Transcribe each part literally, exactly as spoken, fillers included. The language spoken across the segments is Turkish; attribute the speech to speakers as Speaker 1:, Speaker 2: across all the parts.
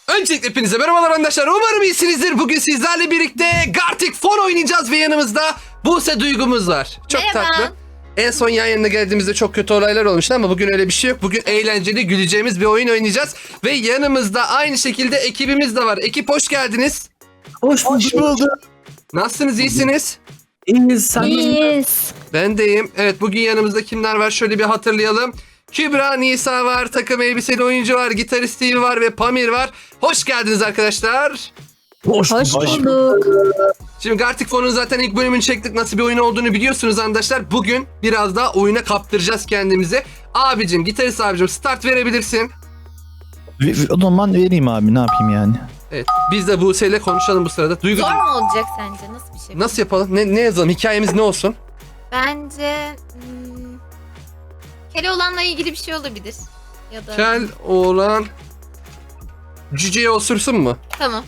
Speaker 1: Öncelikle hepinize merhabalar arkadaşlar. Umarım iyisinizdir. Bugün sizlerle birlikte Gartic Phone oynayacağız ve yanımızda Buse Duygumuz var. Çok
Speaker 2: Merhaba.
Speaker 1: tatlı. En son yan yana geldiğimizde çok kötü olaylar olmuştu ama bugün öyle bir şey yok. Bugün eğlenceli, güleceğimiz bir oyun oynayacağız. Ve yanımızda aynı şekilde ekibimiz de var. Ekip hoş geldiniz.
Speaker 3: Hoş bulduk.
Speaker 1: Nasılsınız, iyisiniz?
Speaker 3: İyiyiz. Sen
Speaker 2: İyiyiz.
Speaker 1: Ben de iyiyim. Evet, bugün yanımızda kimler var? Şöyle bir hatırlayalım. Kübra Nisa var, takım elbiseli oyuncu var, gitarist Steve var ve Pamir var. Hoş geldiniz arkadaşlar.
Speaker 3: Hoş,
Speaker 2: Hoş bulduk.
Speaker 1: Şimdi Gartic Phone'un zaten ilk bölümünü çektik. Nasıl bir oyun olduğunu biliyorsunuz arkadaşlar. Bugün biraz daha oyuna kaptıracağız kendimizi. Abicim, gitarist abicim start verebilirsin.
Speaker 3: O zaman vereyim abi, ne yapayım yani.
Speaker 1: Evet, biz de Buse'yle konuşalım bu sırada. Duygu,
Speaker 2: Zor mu olacak sence? Nasıl bir şey?
Speaker 1: nasıl yapalım? Ne, ne yazalım? Hikayemiz ne olsun?
Speaker 2: Bence hmm, Keloğlan'la ilgili bir şey olabilir. Ya da
Speaker 1: Kel oğlan cüceye osursun mu?
Speaker 2: tamam.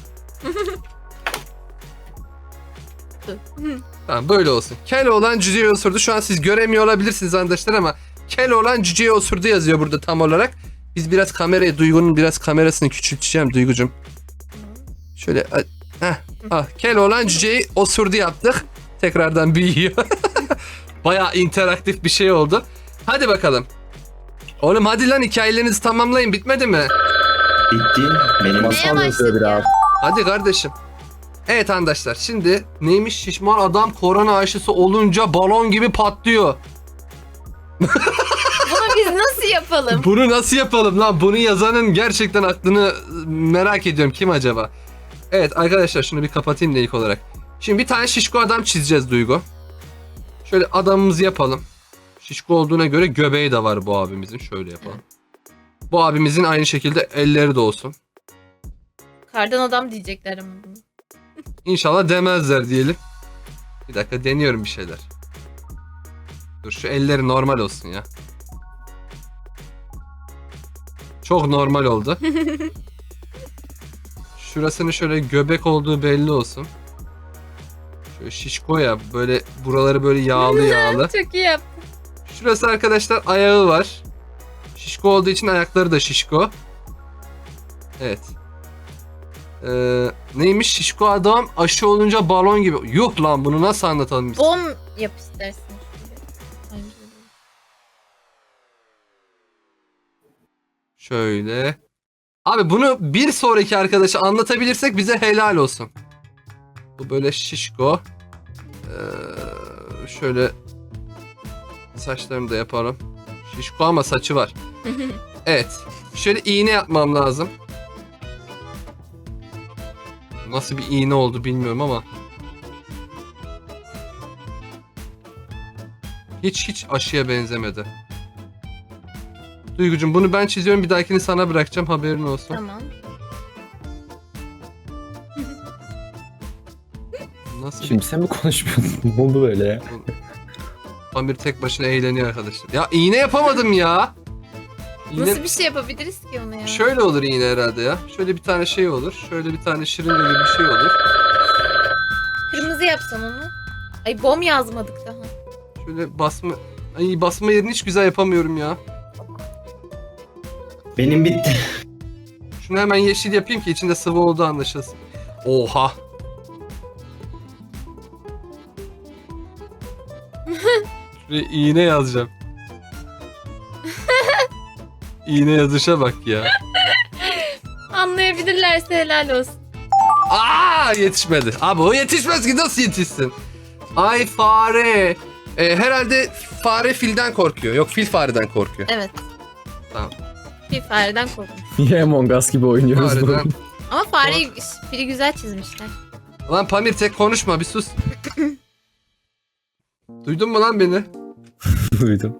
Speaker 1: Tamam, böyle olsun. Kel oğlan cüceye osurdu. Şu an siz göremiyor olabilirsiniz arkadaşlar ama kel oğlan cüceye osurdu yazıyor burada tam olarak. Biz biraz kamerayı, Duygu'nun biraz kamerasını küçülteceğim Duygu'cum. Şöyle heh, ah, kel oğlan cüceyi osurdu yaptık. Tekrardan büyüyor. Bayağı interaktif bir şey oldu. Hadi bakalım. Oğlum hadi lan, hikayelerinizi tamamlayın, bitmedi mi?
Speaker 4: Bitti. Benim
Speaker 2: Neye
Speaker 4: masal yazıyor
Speaker 2: başladık ya?
Speaker 4: biraz.
Speaker 1: Hadi kardeşim. Evet arkadaşlar, şimdi neymiş, şişman adam korona aşısı olunca balon gibi patlıyor.
Speaker 2: Bunu biz nasıl yapalım?
Speaker 1: Bunu nasıl yapalım lan? Bunu yazanın gerçekten aklını merak ediyorum. Kim acaba? Evet arkadaşlar, şunu bir kapatayım da ilk olarak. Şimdi bir tane şişko adam çizeceğiz Duygu. Şöyle adamımızı yapalım. Şişko olduğuna göre göbeği de var bu abimizin. Şöyle yapalım. Bu abimizin aynı şekilde elleri de olsun.
Speaker 2: Kardan adam diyecekler ama bunu.
Speaker 1: İnşallah demezler diyelim. Bir dakika, deniyorum bir şeyler. Dur, şu elleri normal olsun ya. Çok normal oldu. Şurasının şöyle göbek olduğu belli olsun. Şöyle şişko ya, böyle buraları böyle yağlı yağlı.
Speaker 2: Çok iyi yaptın.
Speaker 1: Şurası arkadaşlar ayağı var. Şişko olduğu için ayakları da şişko. Evet. Ee, neymiş, şişko adam aşı olunca balon gibi. Yuh lan, bunu nasıl anlatalım biz?
Speaker 2: Bom yap istersin. Bence de.
Speaker 1: Şöyle. Abi bunu bir sonraki arkadaşa anlatabilirsek bize helal olsun. Bu böyle şişko. Ee, şöyle saçlarını da yapalım. Şişko ama saçı var. Evet. Şöyle iğne yapmam lazım. Nasıl bir iğne oldu bilmiyorum ama. Hiç hiç aşıya benzemedi. Duygucum, bunu ben çiziyorum, bir dahakini sana bırakacağım, haberin olsun.
Speaker 2: Tamam.
Speaker 1: Nasıl
Speaker 4: Şimdi sen mi konuşmuyorsun? Ne oldu böyle ya?
Speaker 1: Pamir tek başına eğleniyor arkadaşlar. Ya iğne yapamadım ya. İğne...
Speaker 2: Nasıl bir şey yapabiliriz ki ona ya?
Speaker 1: Şöyle olur iğne herhalde ya. Şöyle bir tane şey olur. Şöyle bir tane şırınga gibi bir şey olur.
Speaker 2: Kırmızı yapsan onu. Ay bom yazmadık daha.
Speaker 1: Şöyle basma... Ay, basma yerini hiç güzel yapamıyorum ya.
Speaker 4: Benim bitti.
Speaker 1: Şunu hemen yeşil yapayım ki içinde sıvı olduğu anlaşılsın. Oha. Şuraya iğne yazacağım. İğne yazışa bak ya.
Speaker 2: Anlayabilirlerse helal olsun.
Speaker 1: Aa, yetişmedi. Abi o yetişmez ki, nasıl yetişsin? Ay fare. Ee, herhalde fare filden korkuyor. Yok, fil fareden korkuyor.
Speaker 2: Evet.
Speaker 1: Tamam.
Speaker 2: Bir fareden korkmuş.
Speaker 4: Niye Among Us gibi oynuyoruz
Speaker 1: Fareden.
Speaker 4: bunu?
Speaker 2: Ama fareyi fili güzel çizmişler.
Speaker 1: Lan Pamir, tek konuşma, bir sus. Duydun mu lan beni?
Speaker 4: Duydum.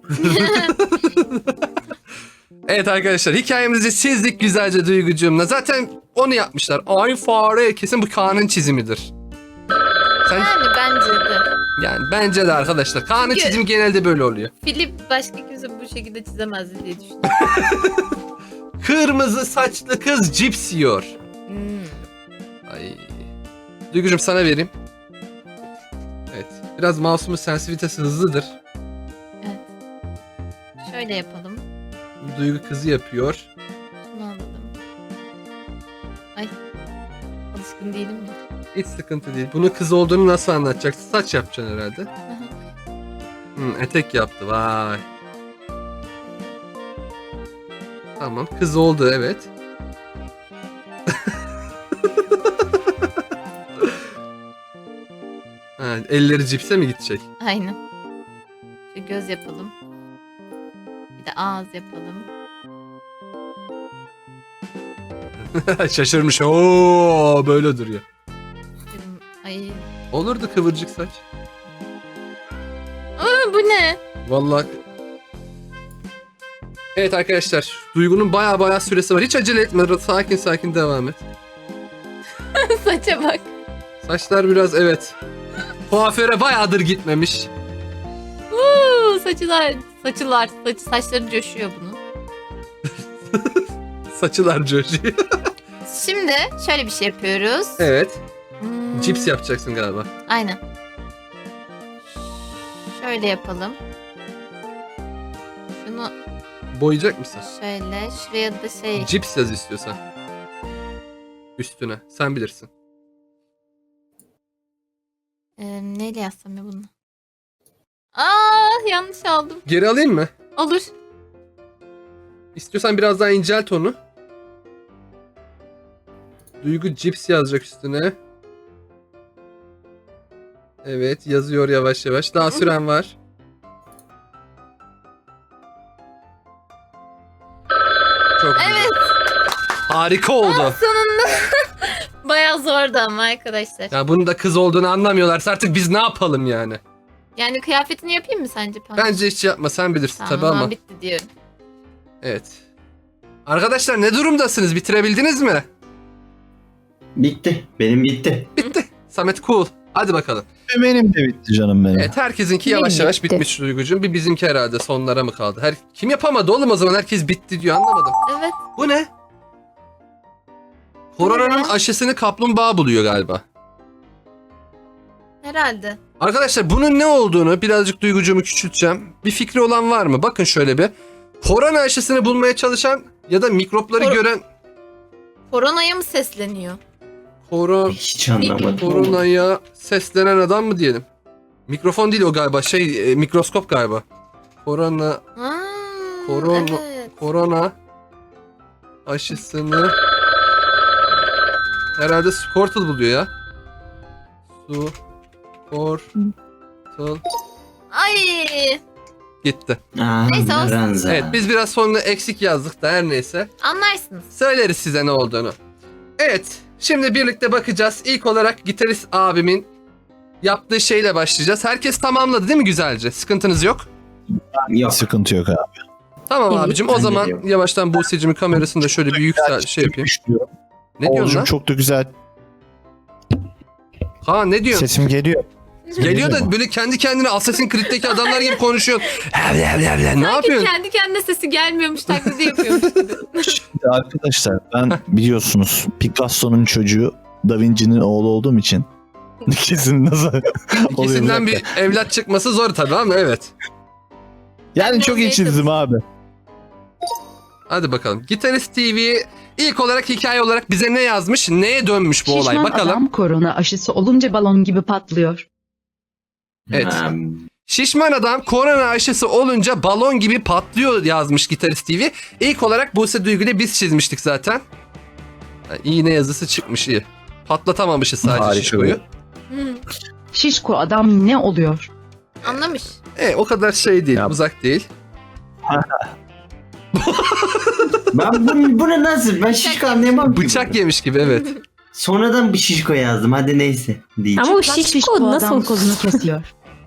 Speaker 1: Evet arkadaşlar, hikayemizi çizdik güzelce Duygucuğumla. Zaten onu yapmışlar. Ay fare, kesin bu Kaan'ın çizimidir. Sen,
Speaker 2: Yani bence de.
Speaker 1: yani bence de arkadaşlar. Kaan'ın
Speaker 2: Çünkü-
Speaker 1: çizimi genelde böyle oluyor.
Speaker 2: Fili başka kimse bu şekilde çizemezdi diye düşünüyorum.
Speaker 1: Kırmızı saçlı kız cips yiyor.
Speaker 2: Hmm.
Speaker 1: Ay. Duygucuğum, sana vereyim. Evet. Biraz mouse'umun sensitivitesi hızlıdır.
Speaker 2: Şöyle yapalım.
Speaker 1: Duygu kızı yapıyor.
Speaker 2: Şunu alalım. Ay. Alışkın değilim ya.
Speaker 1: Hiç sıkıntı değil. Bunu kız olduğunu nasıl anlatacaksın? Saç yapacaksın herhalde. Hmm, etek yaptı. Vay. Tamam. Kız oldu evet. Ha, elleri cipse mi gidecek?
Speaker 2: Aynen. Şu göz yapalım. Bir de ağız yapalım.
Speaker 1: Şaşırmış. Oo, böyle duruyor.
Speaker 2: Dedim, ay.
Speaker 1: Olurdu kıvırcık saç.
Speaker 2: Aa, bu ne?
Speaker 1: Vallahi. Evet arkadaşlar. Duygu'nun baya baya süresi var. Hiç acele etme. Sakin sakin devam et.
Speaker 2: Saça bak.
Speaker 1: Saçlar biraz evet. Kuaföre bayağıdır gitmemiş.
Speaker 2: Uuu, saçılar, saçılar, saç, saçları coşuyor bunun.
Speaker 1: Saçılar coşuyor.
Speaker 2: Şimdi şöyle bir şey yapıyoruz.
Speaker 1: Evet.
Speaker 2: Hmm,
Speaker 1: Cips yapacaksın galiba.
Speaker 2: Aynen. Şöyle yapalım. Şunu
Speaker 1: Boyayacak mısın?
Speaker 2: şöyle, şuraya da şey...
Speaker 1: Cips yaz istiyorsan. Üstüne. Sen bilirsin.
Speaker 2: E, neyle yazsam ya bunu? Aa, yanlış aldım.
Speaker 1: Geri alayım mı?
Speaker 2: Olur.
Speaker 1: İstiyorsan biraz daha incelt onu. Duygu cips yazacak üstüne. Evet yazıyor yavaş yavaş. Daha süren var. Çok güzel.
Speaker 2: Evet.
Speaker 1: Harika oldu.
Speaker 2: Sonunda. Bayağı zordu ama arkadaşlar.
Speaker 1: Ya bunun da kız olduğunu anlamıyorlarsa artık biz ne yapalım yani?
Speaker 2: Yani kıyafetini yapayım mı sence? Pamuk?
Speaker 1: Bence hiç yapma, sen bilirsin
Speaker 2: Tamam,
Speaker 1: tabii
Speaker 2: o zaman
Speaker 1: ama.
Speaker 2: bitti diyorum.
Speaker 1: Evet. Arkadaşlar ne durumdasınız? Bitirebildiniz mi?
Speaker 5: Bitti. Benim bitti.
Speaker 1: Bitti. Samet cool. Hadi bakalım.
Speaker 3: Benim de bitti canım benim.
Speaker 1: Evet herkesinki yavaş
Speaker 6: Benim
Speaker 1: yavaş
Speaker 6: bitti.
Speaker 1: bitmiş Duygucuğum. Bir bizimki herhalde sonlara mı kaldı? Her kim yapamadı oğlum o zaman? Herkes bitti diyor, anlamadım.
Speaker 2: Evet.
Speaker 1: Bu ne? Koronanın
Speaker 2: ne?
Speaker 1: aşısını kaplumbağa buluyor galiba.
Speaker 2: Herhalde.
Speaker 1: Arkadaşlar bunun ne olduğunu birazcık Duygucuğumu küçülteceğim. Bir fikri olan var mı? Bakın şöyle bir. Korona aşısını bulmaya çalışan ya da mikropları
Speaker 2: Kor-
Speaker 1: gören
Speaker 2: Koronaya mı sesleniyor?
Speaker 1: Koro
Speaker 5: Hiç anlamadım.
Speaker 1: koronaya seslenen adam mı diyelim? Mikrofon değil o galiba. Şey e, mikroskop galiba. Korona
Speaker 2: Ha,
Speaker 1: Korona-
Speaker 2: evet.
Speaker 1: korona aşısını herhalde Squirtle buluyor ya. Su Squirtle
Speaker 2: Ay.
Speaker 1: gitti.
Speaker 5: Aa,
Speaker 2: Neyse, olsun.
Speaker 5: Ranza.
Speaker 1: Evet biz biraz sonra eksik yazdık da her neyse.
Speaker 2: Anlarsınız.
Speaker 1: Söyleriz size ne olduğunu. Evet şimdi birlikte bakacağız. İlk olarak gitarist abimin yaptığı şeyle başlayacağız. Herkes tamamladı değil mi güzelce? Sıkıntınız yok.
Speaker 5: Yok.
Speaker 3: Sıkıntı yok abi.
Speaker 1: Tamam
Speaker 6: Evet,
Speaker 1: abicim o
Speaker 5: ben de
Speaker 1: zaman
Speaker 5: diyorum.
Speaker 1: yavaştan Buse'cimin kamerasını da şöyle bir yüksel şey yapayım. Ne diyorsun
Speaker 3: Oğuzcum
Speaker 1: lan?
Speaker 3: çok da güzel.
Speaker 1: Ha ne diyorsun?
Speaker 3: Sesim geliyor.
Speaker 1: Geliyor da
Speaker 3: mu?
Speaker 1: böyle kendi kendine Assassin's Creed'deki adamlar gibi konuşuyor. ne yapıyorsun?
Speaker 2: Kendi kendine sesi gelmiyormuş taklidi yapıyormuş gibi.
Speaker 3: Şimdi arkadaşlar ben biliyorsunuz Picasso'nun çocuğu Da Vinci'nin oğlu olduğum için kesin nasıl oluyor
Speaker 1: İkisinden
Speaker 3: bir
Speaker 1: bir
Speaker 3: dakika.
Speaker 1: evlat çıkması zor tabii ama evet.
Speaker 3: Yani çok iyi
Speaker 2: Neyse.
Speaker 3: çizdim abi.
Speaker 1: Hadi bakalım. Gitarist T V ilk olarak hikaye olarak bize ne yazmış? Neye dönmüş bu olay?
Speaker 6: Şişman
Speaker 1: Bakalım.
Speaker 6: adam korona aşısı olunca balon gibi patlıyor.
Speaker 1: Evet.
Speaker 5: Ha,
Speaker 1: Şişman adam korona aşısı olunca balon gibi patlıyor yazmış Gitarist T V. İlk olarak Buse Duygu'yla biz çizmiştik zaten. Ha, iğne yazısı çıkmış iyi. Patlatamamışız sadece
Speaker 3: Harika
Speaker 1: Şişko'yu.
Speaker 2: Hı,
Speaker 6: Şişko adam ne oluyor?
Speaker 2: anlamış.
Speaker 1: E, o kadar şey değil,
Speaker 3: Ya.
Speaker 1: uzak değil.
Speaker 5: ben bunu, bunu nasıl? Ben şişko anlayamam ki
Speaker 1: Bıçak
Speaker 5: bunu.
Speaker 1: yemiş gibi evet.
Speaker 5: Sonradan bir şişko yazdım. Hadi neyse. Değil.
Speaker 7: Ama o
Speaker 6: Şişko
Speaker 7: şişko nasıl
Speaker 6: adam kolunu kesiyor.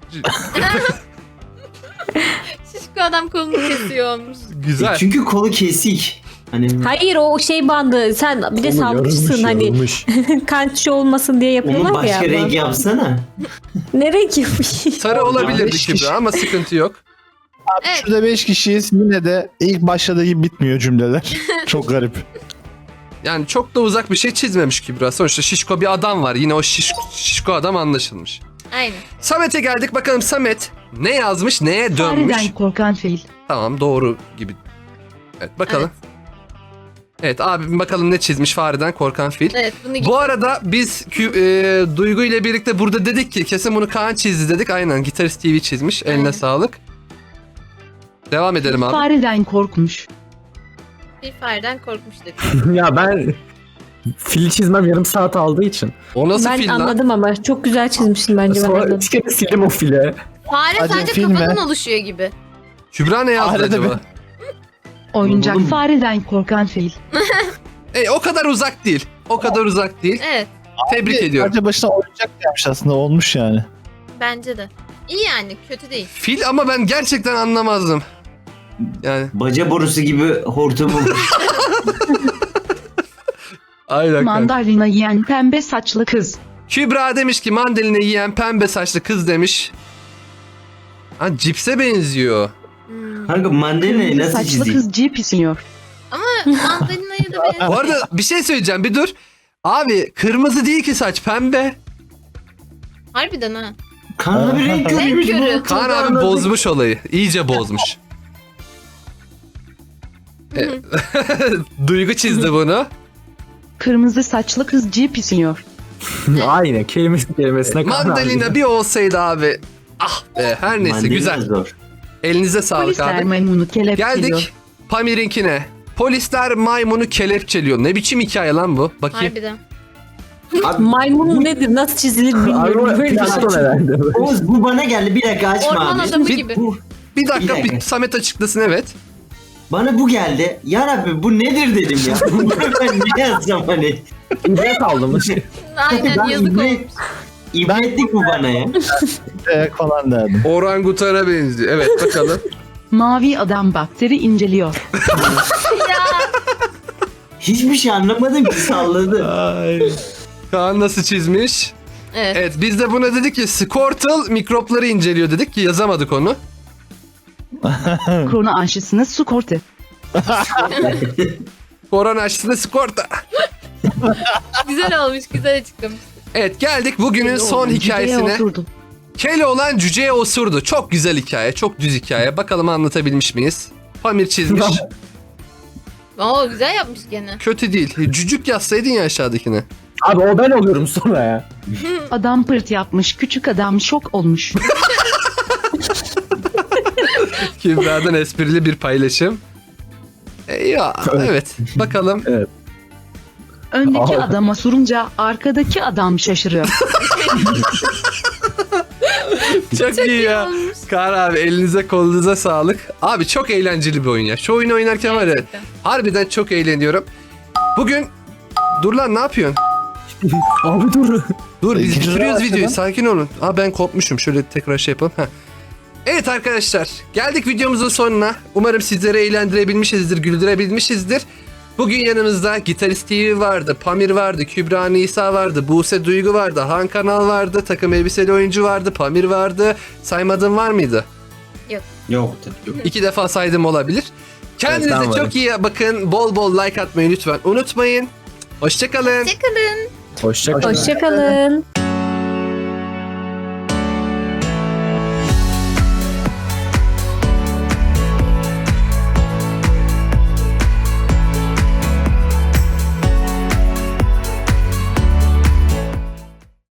Speaker 2: Şişko adam kolunu kesiyor olmuş.
Speaker 1: Güzel.
Speaker 5: E, Çünkü kolu kesik. Hani
Speaker 7: Hayır o şey bandı. Sen bir de
Speaker 4: Onu
Speaker 7: sağlıkçısın
Speaker 4: yarılmış,
Speaker 7: hani
Speaker 4: yarılmış.
Speaker 7: kan olmasın diye
Speaker 5: onu
Speaker 7: yapıyorlar
Speaker 5: başka
Speaker 7: ya.
Speaker 5: renk yapsana.
Speaker 7: Ne renk yapmış?
Speaker 1: Sarı olabilirdi
Speaker 3: beş kişi.
Speaker 1: Kübra ama sıkıntı yok.
Speaker 2: Evet.
Speaker 3: Şurada beş kişiyiz yine de ilk başladığı gibi bitmiyor cümleler. Çok garip.
Speaker 1: Yani çok da uzak bir şey çizmemiş Kübra. Sonuçta şişko bir adam var. Yine o şiş, şişko adam anlaşılmış.
Speaker 2: Aynen.
Speaker 1: Samet'e geldik. Bakalım Samet ne yazmış, neye dönmüş?
Speaker 6: Fareden korkan fil.
Speaker 1: Tamam doğru gibi. Evet bakalım. Evet abim bakalım ne çizmiş fareden korkan fil.
Speaker 2: Evet bunu
Speaker 1: Bu arada biz kü- e, Duygu ile birlikte burada dedik ki kesin bunu Kaan çizdi dedik. Aynen Gitarist T V çizmiş. Eline
Speaker 2: Aynen.
Speaker 1: sağlık. Devam edelim abi.
Speaker 6: Fareden korkmuş.
Speaker 2: bir fareden korkmuştuk.
Speaker 4: ya ben fili çizmem yarım saat aldığı için.
Speaker 1: O nasıl
Speaker 7: Ben
Speaker 1: fil lan?
Speaker 7: anladım ama çok güzel çizmişsin bence. Ben
Speaker 4: Sonra
Speaker 7: anladım.
Speaker 4: iki kere sildim o file.
Speaker 2: Fare
Speaker 3: Hadi
Speaker 2: sadece
Speaker 3: film
Speaker 2: kafadan
Speaker 3: ver.
Speaker 2: oluşuyor gibi.
Speaker 1: Kübra ne yazdı
Speaker 3: Farede
Speaker 1: acaba?
Speaker 3: mi?
Speaker 6: Oyuncak
Speaker 5: Oğlum.
Speaker 6: fareden korkan fil.
Speaker 1: E, o kadar uzak değil. O kadar uzak değil.
Speaker 2: Evet
Speaker 1: Tebrik ediyorum.
Speaker 3: Sadece başına oyuncak yapmış aslında olmuş yani.
Speaker 2: bence de. İyi yani kötü değil.
Speaker 1: Fil ama ben gerçekten anlamazdım. Yani
Speaker 5: Baca borusu gibi hortumu.
Speaker 1: aynen. kanka.
Speaker 6: Mandalina yiyen pembe saçlı kız.
Speaker 1: Kübra demiş ki mandalina yiyen pembe saçlı kız demiş. Ha cipse benziyor.
Speaker 2: Hmm.
Speaker 5: Kanka mandalinayı
Speaker 6: Kırmızı
Speaker 5: nasıl
Speaker 6: saçlı
Speaker 5: çizeyim?
Speaker 6: kız cip istiyor.
Speaker 2: Ama mandalina'ya da benziyor.
Speaker 1: Bu arada bir şey söyleyeceğim bir dur. Abi kırmızı değil ki saç pembe.
Speaker 2: Harbiden ha.
Speaker 5: Kanka bir renk
Speaker 2: Renk
Speaker 5: körüymüş
Speaker 2: körü.
Speaker 5: bu.
Speaker 1: Kaan abi bozmuş olayı. İyice bozmuş. E, Duygu çizdi bunu.
Speaker 6: Kırmızı saçlı kız cip istiyor.
Speaker 4: Aynen kelimesi kelimesine karar
Speaker 1: Mandalina bir olsaydı abi. Ah be her neyse
Speaker 5: Mandalina
Speaker 1: güzel.
Speaker 5: zor.
Speaker 1: Elinize sağlık
Speaker 6: Polisler
Speaker 1: abi.
Speaker 6: maymunu kelepçeliyor.
Speaker 1: Geldik Pamir'inkine. Polisler maymunu kelepçeliyor. Ne biçim hikaye lan bu? Bakayım.
Speaker 2: Harbiden.
Speaker 5: Abi,
Speaker 7: Maymun nedir? Nasıl çizilir
Speaker 4: Abi
Speaker 7: bilmiyorum.
Speaker 4: o
Speaker 7: Böyle bir şey.
Speaker 4: plaston herhalde.
Speaker 5: Oğuz bu bana geldi bir dakika açma
Speaker 2: Orman
Speaker 5: abi.
Speaker 2: adamı
Speaker 1: Bir-
Speaker 2: gibi.
Speaker 5: Bu,
Speaker 1: Bir dakika,
Speaker 5: Bir
Speaker 1: bir
Speaker 5: dakika.
Speaker 1: Samet açıklasın evet.
Speaker 5: bana bu geldi. Ya Rabbi bu nedir dedim ya. Bunu ben ne yazsam hani.
Speaker 4: İbret aldım.
Speaker 2: Aynen
Speaker 5: Ben
Speaker 2: yazık
Speaker 5: ibret-
Speaker 2: olmuş.
Speaker 5: İbretlik bu bana ya.
Speaker 3: Ayak falan derdim.
Speaker 1: Orangutana benziyor. Evet bakalım.
Speaker 6: Mavi adam bakteri inceliyor.
Speaker 5: Hiçbir şey anlamadım ki salladı.
Speaker 1: Ay. Kaan nasıl çizmiş?
Speaker 2: Evet.
Speaker 1: Evet biz de buna dedik ki Squirtle mikropları inceliyor dedik ki yazamadık onu.
Speaker 6: Korona aşısını su kortu.
Speaker 1: Korona aşısında Squirtle.
Speaker 2: Güzel olmuş güzel açıklamış.
Speaker 1: Evet geldik bugünün son
Speaker 6: Cüceye
Speaker 1: hikayesine.
Speaker 6: oturdu.
Speaker 1: Keloğlan cüceye osurdu. Çok güzel hikaye, çok düz hikaye. Bakalım anlatabilmiş miyiz? Pamir çizmiş.
Speaker 2: Oo güzel yapmış gene.
Speaker 1: Kötü değil. Cücük yazsaydın ya aşağıdakine.
Speaker 4: Abi o ben oluyorum sonra ya.
Speaker 6: Adam pırt yapmış. Küçük adam şok olmuş.
Speaker 1: Kübra'dan esprili bir paylaşım. E, ya evet. Bakalım.
Speaker 6: Öndeki
Speaker 4: Aa.
Speaker 6: adama sorunca arkadaki adam şaşırıyor.
Speaker 1: Çok, iyi ya.
Speaker 2: olmuş.
Speaker 1: Kaan abi elinize kolunuza sağlık. Abi çok eğlenceli bir oyun ya. Şu oyunu oynarken var ya
Speaker 2: Gerçekten.
Speaker 1: harbiden çok eğleniyorum. Bugün dur lan ne yapıyorsun?
Speaker 4: Abi dur.
Speaker 1: Dur biz
Speaker 3: İkinci
Speaker 1: bitiriyoruz
Speaker 3: sıra
Speaker 1: videoyu
Speaker 3: başladı.
Speaker 1: sakin olun. Aa ben kopmuşum şöyle tekrar şey yapalım. Heh. Evet arkadaşlar geldik videomuzun sonuna. Umarım sizleri eğlendirebilmişizdir, güldürebilmişizdir. Bugün yanımızda Gitarist T V vardı, Pamir vardı, Kübra Nisa vardı, Buse Duygu vardı, Han Kanal vardı, takım elbiseli oyuncu vardı, Pamir vardı. Saymadığım var mıydı?
Speaker 5: Yok yok.
Speaker 1: İki defa saydım olabilir. Kendinize
Speaker 4: Evet, ben varım.
Speaker 1: çok iyi bakın. Bol bol like atmayı lütfen unutmayın. Hoşçakalın.
Speaker 2: Hoşçakalın.
Speaker 4: Hoşça kal.
Speaker 7: Hoşçakalın.